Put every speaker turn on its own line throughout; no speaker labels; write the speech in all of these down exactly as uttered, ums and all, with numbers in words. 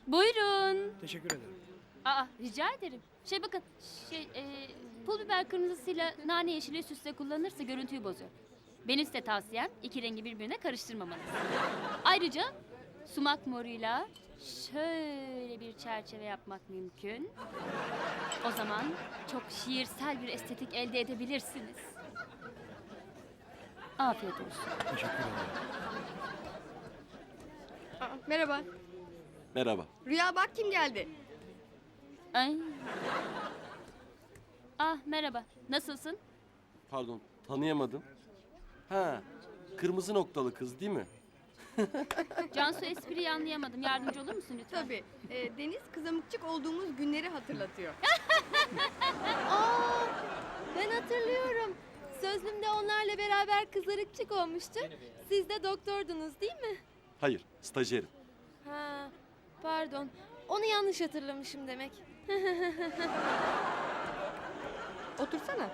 Buyurun.
Teşekkür ederim.
Aa, rica ederim. Şey bakın, şey, e, pul biber kırmızısıyla nane yeşili üst üste kullanırsa görüntüyü bozuyor. Benim size tavsiyem iki rengi birbirine karıştırmamanız. Ayrıca sumak moruyla şöyle bir çerçeve yapmak mümkün. O zaman çok şiirsel bir estetik elde edebilirsiniz. Afiyet olsun.
Teşekkür ederim.
Aa, merhaba.
Merhaba.
Rüya bak kim geldi.
Ay. Ah, merhaba. Nasılsın?
Pardon, tanıyamadım. Ha, kırmızı noktalı kız değil mi?
Cansu, espriyi anlayamadım. Yardımcı olur musun lütfen?
Tabii. Ee, Deniz kızamıkçık olduğumuz günleri hatırlatıyor.
Aa, ben hatırlıyorum. Sözlümde onlarla beraber kızarıkçık olmuştu. Siz de doktordunuz değil mi?
Hayır, stajyerim.
Ha, pardon. Onu yanlış hatırlamışım demek.
Otursana.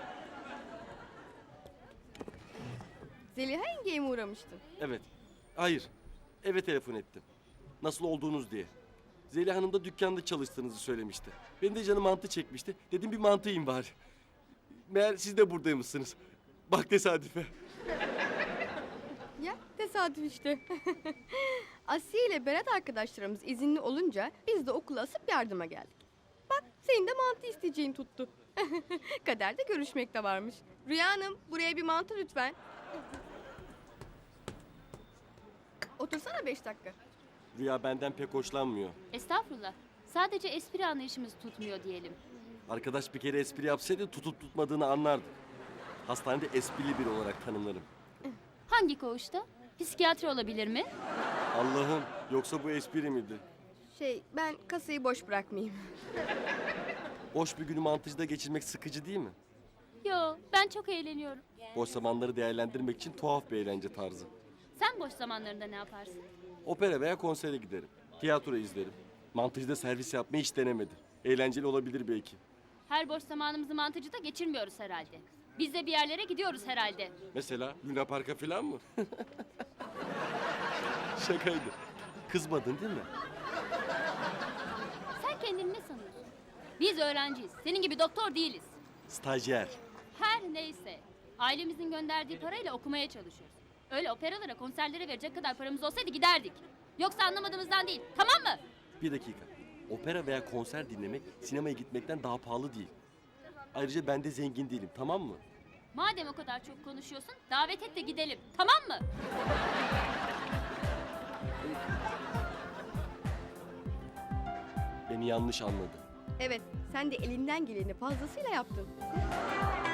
Zeliha yengeye mi uğramıştın?
Evet. Hayır. Eve telefon ettim. Nasıl olduğunuz diye. Zeliha Hanım da dükkanda çalıştığınızı söylemişti. Benim de canım mantı çekmişti. Dedim bir mantı yiyeyim bari. Meğer siz de buradaymışsınız. Bak tesadüfe.
Ya tesadüf işte. Asiye ile Berat arkadaşlarımız izinli olunca biz de okula asıp yardıma geldik. Bak senin de mantı isteyeceğin tuttu. Kaderde görüşmek de varmış. Rüya Hanım buraya bir mantı lütfen. Otursana beş dakika.
Rüya benden pek hoşlanmıyor.
Estağfurullah. Sadece espri anlayışımız tutmuyor diyelim.
Arkadaş bir kere espri yapsaydı tutup tutmadığını anlardı. Hastanede esprili biri olarak tanımlarım.
Hangi koğuşta? Psikiyatri olabilir mi?
Allah'ım, yoksa bu espri miydi?
Şey ben kasayı boş bırakmayayım.
Boş bir günü mantıcıda geçirmek sıkıcı değil mi?
Yo, ben çok eğleniyorum.
Boş zamanları değerlendirmek için tuhaf bir eğlence tarzı.
Sen boş zamanlarında ne yaparsın?
Opera veya konsere giderim. Tiyatro izlerim. Mantıcıda servis yapmayı hiç denemedim. Eğlenceli olabilir belki.
Her boş zamanımızı mantıcıda geçirmiyoruz herhalde. Biz de bir yerlere gidiyoruz herhalde.
Mesela Luna Park'a falan mı? Şakaydı. Kızmadın değil mi?
Sen kendini ne sanıyorsun? Biz öğrenciyiz. Senin gibi doktor değiliz.
Stajyer.
Her neyse. Ailemizin gönderdiği parayla okumaya çalışıyoruz. Öyle operalara, konserlere verecek kadar paramız olsaydı giderdik. Yoksa anlamadığımızdan değil. Tamam mı?
Bir dakika. Opera veya konser dinlemek sinemaya gitmekten daha pahalı değil. Ayrıca ben de zengin değilim, tamam mı?
Madem o kadar çok konuşuyorsun, davet et de gidelim. Tamam mı?
Beni yanlış anladı.
Evet sen de elinden geleni fazlasıyla yaptın.